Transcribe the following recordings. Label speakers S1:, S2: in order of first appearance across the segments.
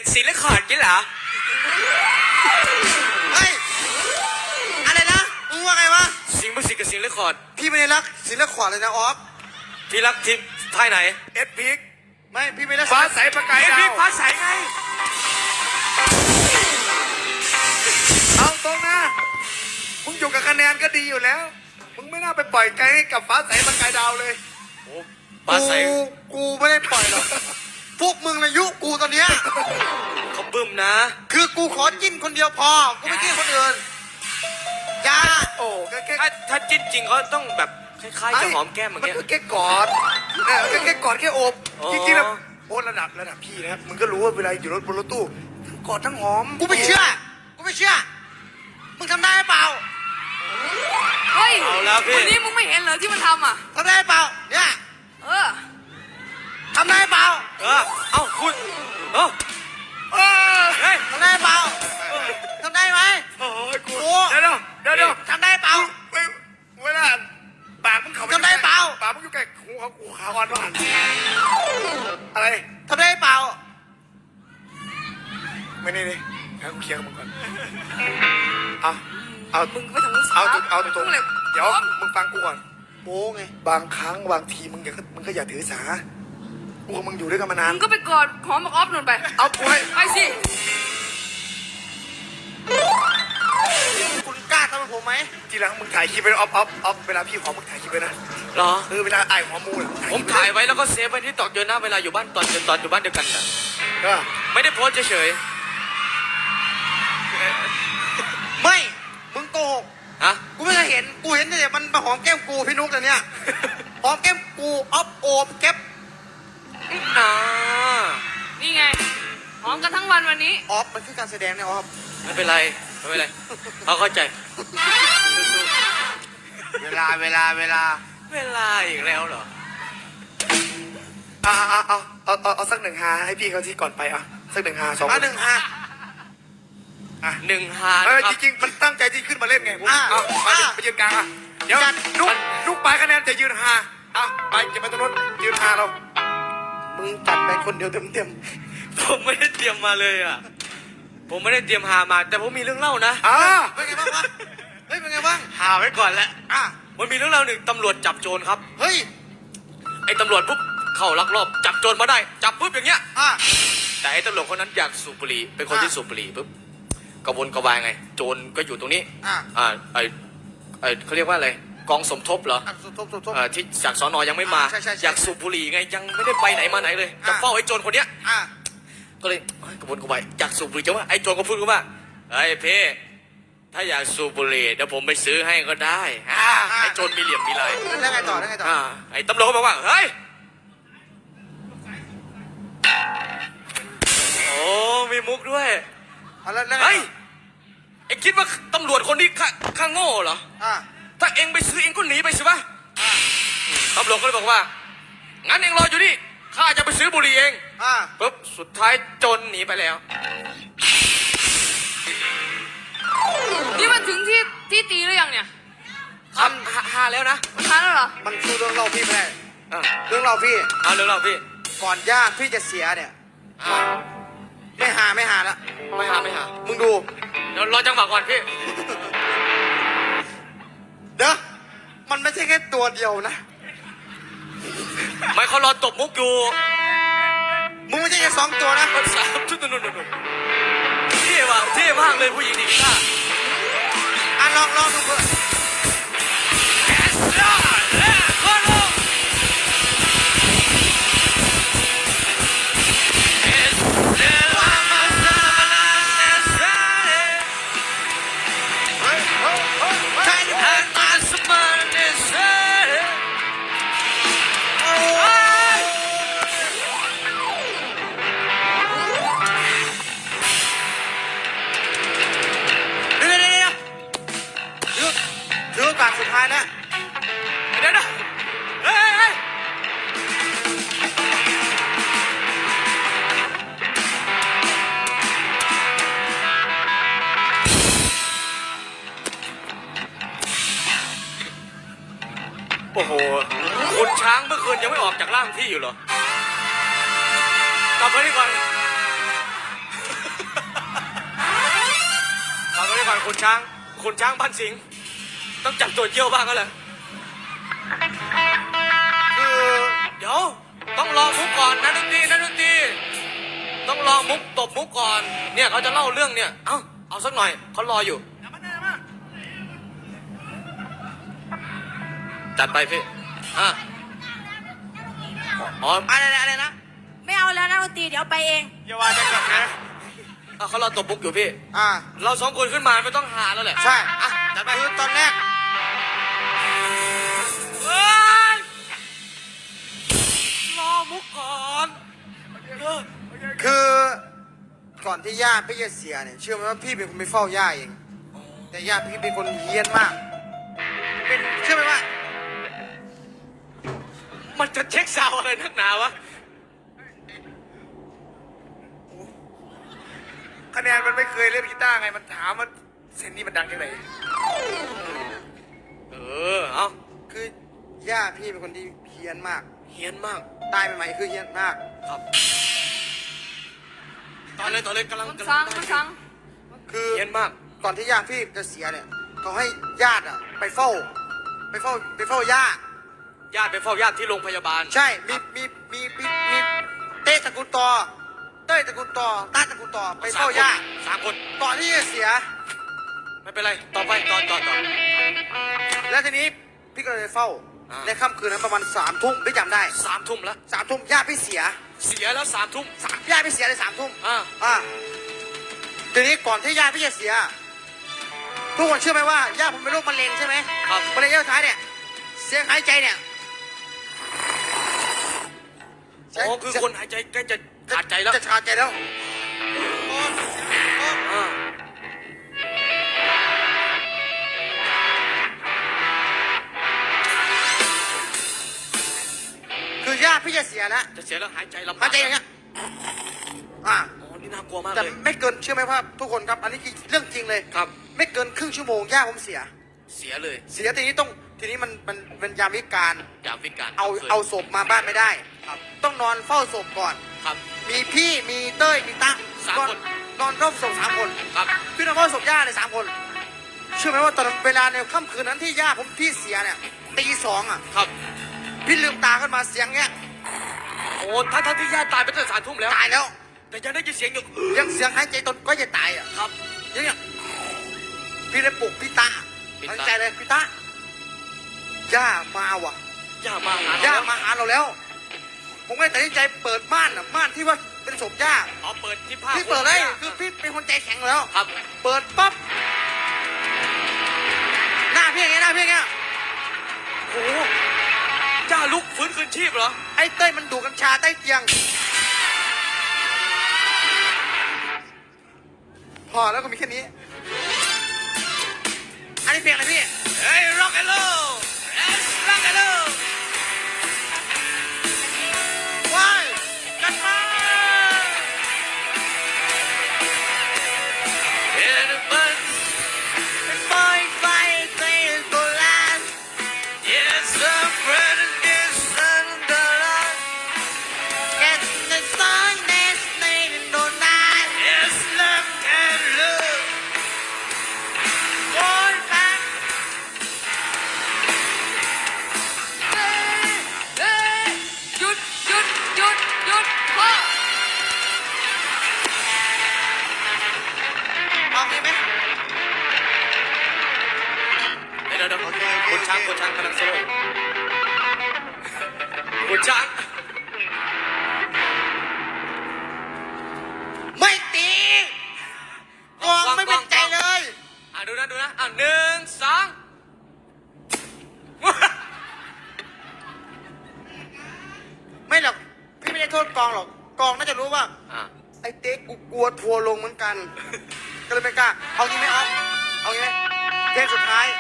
S1: ศิลขาดกินเหรอ
S2: เฮ้ยอะไรนะมึงว่าไงวะ
S1: สิงห์ประสิทธิ์กับศิลขอด
S2: พี่ไม่ได้รักศิลขวัญเลยนะออฟ
S1: พี่รักทีมท้ายไหน
S3: เอสพิก
S2: ไม่พี่ไม่ได้
S3: ฟ้าใสประกายดาว
S1: เอสพิกฟ้าใสไง
S3: เอาตรงนะมึงอยู่กับคะแนนก็ดีอยู่แล้วมึงไม่น่าไปปล่อยใจให้กับฟ้าใสประกายดาวเลย
S1: โอ้ฟ้าใส
S2: กูไม่ได้ปล่อยหรอกพวกมึงอายุกูตอนเนี้ย
S1: เขาบึ้มนะ
S2: คือกูขอจิ้นคนเดียวพอกูไม่จิ้นคนอื่นอย่า
S3: โอ้แค่
S1: ถ้าจิ้นจริงเขาต้องแบบคล้ายๆจะหอมแก้มอย่างเงี้ย
S3: มันก็แค่กอดแค่กอดแค่โอบจริงๆแล้วโอ้ระดับพี่นะมึงก็รู้ว่าเวลาอยู่บนรถตู้กอดทั้งหอม
S2: กูไม่เชื่อมึงทำได้เปล่า
S4: เฮ้ยวันนี้มึงไม่เห็นเหรอที่มันทำอ่ะ
S2: ทำได้เปล่าเนี่ยทำได้เปล่า
S1: เอ้าคุณเฮ้ย
S2: ทำได้เปล่าทำได้ไหม
S3: โอ้ยกูเดี๋ยว
S2: ทำได้เปล่า
S3: เวลาปากมึงเขา
S2: ทำได้เปล่า
S3: ปากมึงอยู่ใกล้หูเขากูขาอ่อนว่านอะไร
S2: ทำได้เปล่า
S3: ไม่นี่ให้กูเคลียร์กับมึงก่อน
S4: มึงไม่ทำมึง
S3: เอาตรงเดี๋ยวมึงฟังกูก่อน
S2: โบ้ไง
S3: บางครั้งบางทีมึงก็อย่าถือสากูกับมึงอยู่ด้วยกันมานาน
S4: มึงก็ไปกอดหอมบักออฟนุ่นไป
S3: เอากูให้
S4: ไปสิ
S2: คุณกล้าทำกับผมไหม
S3: ทีหลังมึงถ่ายคลิปไปออฟเวลาพี่หอมมึงถ่ายคลิปไปนะ
S1: หรอ
S3: เวลาไอ้หอมมู
S1: ผมถ่ายไว้แล้วก็เซฟไว้ที่ต่อเจอหน้าเวลาอยู่บ้านตอนอยู่บ้านเดียวกันน่ะไม่ได้โพสเฉย
S2: ไม่มึงโกหก
S1: ฮะ
S2: กูไม่เคยเห็นกูเห็นแต่มันมาหอมแก้มกูพี่นุ๊กแต่เนี้ยหอมแก้มกูออฟโอบแก๊ป
S4: นี่ไงหอมกันทั้งวันวันนี้
S2: ออฟมันคือการแสดงเนี่ยออฟ
S1: ไม่เป็นไรเขาเข้าใจ
S2: เวลาอีกแล้วเหรอ
S3: เอาสัก1 ฮาให้พี่เขาที่ก่อนไปสัก1 ฮา2
S2: 1 ฮา
S1: 1 ฮา
S3: จริงๆมันตั้งใจที่ขึ้นมาเล่นไงไปยืนกลางเดี๋ยวนุ๊กไปคะแนนจะยืนฮาไปเก็บไปตรงนู้นยืนฮาเรา
S2: มึงจัดไปคนเดียวเต็ม
S1: ผมไม่ได้เตรียมมาเลยผมไม่ได้เตรียมหามาแต่ผมมีเรื่องเล่านะ
S2: เป็นไงบ้างวะเฮ้ยเป็นไงบ้าง
S1: หาไว้ก่อนแล้วมันมีเรื่องเล่าหนึ่งตำรวจจับโจรครับ
S2: เฮ้ย
S1: ไอ้ตำรวจปุ๊บเข้าลักลอบจับโจรมาได้จับปุ๊บอย่างเงี้ยแต่ไอ้ตำรวจคนนั้นอยากสูบบุหรี่เป็นคนที่สูบบุหรี่ปุ๊บกระวนกระวายไงโจรก็อยู่ตรงนี้เขาเรียกว่าอะไรกองสมทบเหรอที่จากสน.ยังไม่มาอยากสูบบุหรี่ไงยังไม่ได้ไปไหนมาไหนเลยจะเฝ้าไอ้โจรคนเนี้ยก็เลยกระวนกระวายอยากสูบบุหรี่จังว่าไอ้โจรก็พูดว่าไอ้เพ่ถ้าอยากสูบบุหรี่เดี๋ยวผมไปซื้อให้ก็ได้ไอ้โจรมีเหลี่ยมมีลาย
S2: แล้วไงต่อ
S1: ไอ้ตำรวจก็บอกว่าเฮ้ยโอ้มีมุกด้วยเฮ้ยไอ้คิดว่าตำรวจคนนี้ข้าโง่เหรอถ้าเองไปซื้อเองก็หนีไปสิวะตำรวจก็เลยบอกว่างั้นเองรออยู่นี่ข้าจะไปซื้อบุหรี่เองปุ๊บสุดท้ายโจรหนีไปแล้ว
S4: นี่มันถึงที่ตีหรือยังเนี่ย
S1: หาแล้วนะ
S4: มันหาแล้วเหรอ
S2: มันคือเรื่องเราพี่ไม่ได้เรื่องเราพี่
S1: เรื่องเราพี่
S2: ก่อนญาติพี่จะเสียเนี่ยไม่หาแล้ว
S1: ไม่หา
S2: มึงดู
S1: เดี๋ยวรอจังหวะก่อนพี่
S2: เดี๋ยวมันไม่ใช่แค่ตัวเดียวนะ
S1: ไม่เขารอตบมุกอยู่
S2: มึงไม่ใช่แค่2 ตัวนะ
S1: 3 ชุดนู่นเท่มากเลยผู้หญิงดีก้า
S2: ลองดูเพื่อนสุดท้ายนะ
S1: เดี๋ยวเฮ้ยโอ้โหคุณช้างเมื่อคืนยังไม่ออกจากร่างที่อยู่เหรอกลับมาดีก่อนคุณช้างบ้านสิงห์ต้องจับตัวเยี่ยวบ้างแล้วแหละ
S2: คือ
S1: เดี๋ยวต้องรอมุกก่อนนะดนตรีต้องรอมุกตบมุกก่อนเนี่ยเขาจะเล่าเรื่องเนี่ยเอาสักหน่อยเขารออยู่จัดไปพี่อ๋อ
S2: อะไรนะ
S5: ไม่เอาแล้วนะดนตรีเดี๋ยวไปเอง
S2: อย่าว่าจะกลับนะ
S1: เขารอตบมุกอยู่พี่
S2: อ่า
S1: เราสองคนขึ้นมาไม่ต้องหาแล้วแหละ
S2: ใช่
S1: จัดไป
S2: คือตอนแรก
S1: รอมุกก่อน
S2: คือก่อนที่ย่าพี่จะเสียเนี่ยเชื่อไหมว่าพี่เป็นคนไปเฝ้าย่าเองแต่ย่าพี่เป็นคนเฮี้ยนมากเชื่อไหมว่า
S1: มันจะเช็คซาวอะไรนักหนาวะ
S3: คะแนนมันไม่เคยเล่นกีตาร์ไงมันถามว่าเซนนี่มันดังยังไง
S1: เอา
S2: คือย่าพี่เป็นคนที่เฮี้ยนมาก
S1: เฮี้ยนมาก
S2: ตายใหม่ๆคือเฮี้ยนมาก
S1: ครับตอนเลยกำลัง
S4: คุณสัง
S2: คือ
S1: เฮี้ยนมาก
S2: ก่อนที่ย่าพี่จะเสียเนี่ยเขาให้ญาติอะไปเฝ้าย่า
S1: ญาติไปเฝ้าญาติที่โรงพยาบาล
S2: ใช่มีเต้ตระกูลต่อเต้ยตระกูลต่อต้าตระกูลต่อไปเฝ้าย่า
S1: 3 คน
S2: ก่อนที่จะเสีย
S1: ไม่เป็นไรต่อไปต่อ
S2: แล้วทีนี้พี่ก็เลยไปเฝ้า ในค่ำคืนนั้นประมาณ3 ทุ่มพี่จำได้
S1: 3 ทุ่มแล้ว
S2: 3 ทุ่มย่าพี่เสีย
S1: เสียแล้ว3 ทุ่ม
S2: ย่าพี่เสียเลย3 ทุ่ม
S1: อ่า
S2: ทีนี้ก่อนที่ย่าพี่จะเสียทุกคนเชื่อไหมว่าย่าผมเป็นโรคมะเร็งใช่ไหม
S1: ครับ
S2: มะเร็งระยะสุดท้ายเนี่ยเสียงหายใจเนี่ย
S1: อ๋อคือคนหายใจใกล้จะขาดใจแล้ว
S2: จะขาดใจแล้ว
S1: อ่า
S2: คือย่าพี่จะเสียแล้ว
S1: จะเสียแล้วหายใจลำบาก
S2: หายใจอย่างเงี้ยอ่า
S1: อ๋อนี่น่ากลัวมาก
S2: แต่
S1: เลย
S2: ไม่เกินเชื่อไหมว่าทุกคนครับ อันนี้คือเรื่องจริงเลย
S1: ครับ
S2: ไม่เกินครึ่งชั่วโมงย่าผมเสีย
S1: เสียเลย
S2: เสียทีนี้มันเป็นยามวิการ
S1: ยามวิกาล
S2: เอาศพมาบ้านไม่ได้ ต้องนอนเฝ้าศพก่อน
S1: ครับ
S2: มีพี่มีเต้ยมีตั้ง
S1: 3 คน
S2: นอนเฝ้าศพ3 คน
S1: ครับ
S2: พี่นอนเฝ้าศพย่าเลย3 คน เชื่อไหมว่าตอนเวลาในค่ำคืนนั้นที่ย่าผมพี่เสียเนี่ยตี 2 อ่ะ
S1: ครับ
S2: พี่ลืมตาขึ้นมาเสียงเงี้ย
S1: โอ้ทั้งที่ญาติตายไปตั้งแต่3 ทุ่มแล้ว
S2: ตายแล้ว
S1: แต่ยังได้ยินเสียงอยู่
S2: ยังเสียงหายใจตนก็จะตายอ่ะ
S1: ครับ
S2: อย่างเงี้ยพี่เลยปลุกพี่ตา
S1: พี่
S2: ตั้ง
S1: ตา
S2: ใจเลยพี่ตาย่ามาว่ะ
S1: ย่ามาหา
S2: ย่า
S1: เรา
S2: มาหาเราแล้ว ผมก็เลยตัดสินใจเปิดม่านอ่ะม่านที่ว่าเป็นศพย่า
S1: เอาเปิดที่ผ้า
S2: พี่เปิดเลย
S1: ย่า
S2: คือพี่เป็นคนใจแข็งแล้ว
S1: ครับ
S2: เปิดปั๊บหน้าพี่อย่างเงี้ยหน้าพี่อย่างเงี้ย
S1: โอ้โหย่าลุกฟื้นคืนชีพเหรอ
S2: ไอ้เต้ยมันดูดกัญชาใต้เตียง พอแล้วก็มีแค่นี้ อันนี้เพลงอะไรพี่
S1: เฮ้ย rock and roll yes rock and roll
S2: ว้ายกันมา
S1: Everybody
S2: ปล่อยไฟเพลงโบราณ
S1: yes the friend is under the
S2: Get the song that's made in the night
S1: yes love and love
S2: โอ้ยแฟน
S4: เฮ้ยหยุดพ่อ
S2: เอางี้ไหม
S1: เดี๋ยวคุณช้างกำลังโซ่คุณช้าง
S2: ไม่ตีกองไม่เป็นใจเลย
S1: ดูนะ1 2
S2: ไม่หรอก พี่ไม่ได้โทษกองหรอก กองน่าจะรู้ว่า ไอ้เต๊กกูกลัวทัวร์ลงเหมือนกัน ก็เลยไม่กล้า เอางี้ไหมออฟเอางี้ไหมเพลงสุดท้าย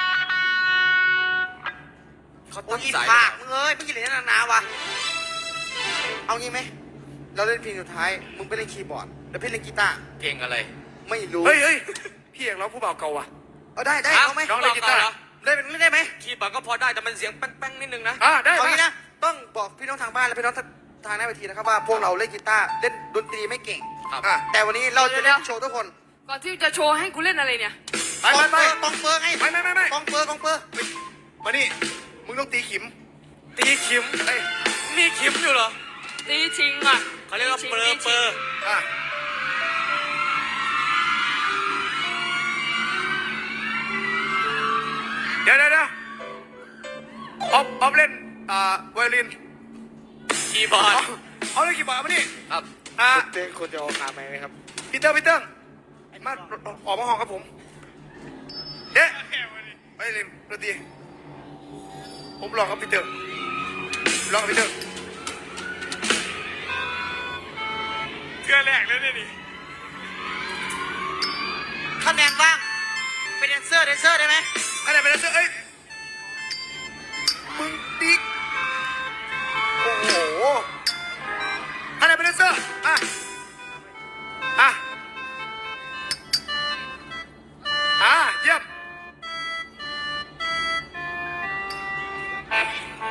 S1: เขา
S2: โอ้
S1: ตั้
S2: ย
S1: ง
S2: อี
S1: ใจ
S2: ผากมึงเอ้ยไม่กินเหรียญนานๆวะเอางี้ไหมเราเล่นเพลงสุดท้าย มึงไปเล่นคีย์บอร์ดแล้วพี่เล่นกีตาร์
S1: เพลงอะไร
S2: ไม่รู้
S3: เฮ้ยพี่เอกร้องผู้บ่าวเก่าว่ะ
S2: เอาได้เอาไหม
S3: น้องเล่นกีตาร์
S2: เล่นได้ไหม
S1: คีย์บอร์ดก็พอได้แต่มันเสียงแป้งๆนิดนึงนะ
S3: ได้
S2: เอา
S3: มา
S2: งี้นะ ต้องบอกพี่น้องทางบ้านและพี่น้องทางหน้าเวทีนะครับว่าพวกเราเล่นกีตาร์เล่นดนตรีไม่เก่ง
S1: ครับ
S2: แต่วันนี้เราจะเล่นโชว์ทุกคน
S4: ก่อนที่จะโชว์ให้กูเล่นอะไรเนี่ย
S3: ไปไปไป
S2: กองเปอร์ไง
S3: ไม่
S2: กองเปอร์
S3: มานี่มึงต้องตีขิม
S1: ตีขิม
S3: เอ้ย
S1: มีขิมอยู่เหรอ
S4: ตีชิงอ่ะ
S1: เขาเรียกว่าเปอร์เปอร์
S3: อ่ะเดี๋ยวออฟเล่นไวโอลิน
S1: คีย์บอร์ด
S3: เอาเลยกี่บาทมานี่
S1: ครับ
S2: เต้คนจะออกขาไหมครับ
S3: พีเตอร์มาออกมาห้องครับผมเด้ไวโอลินดนตรีผมลองครับพีเตอร์ลองครับพีเตอร์
S1: เกลือแรกแล้วเนี่ยนี่
S2: คะแนนบ้างเป็นแดนเซอร์ได้ไหม
S3: อะไรเป็นเสื้อเอ้ย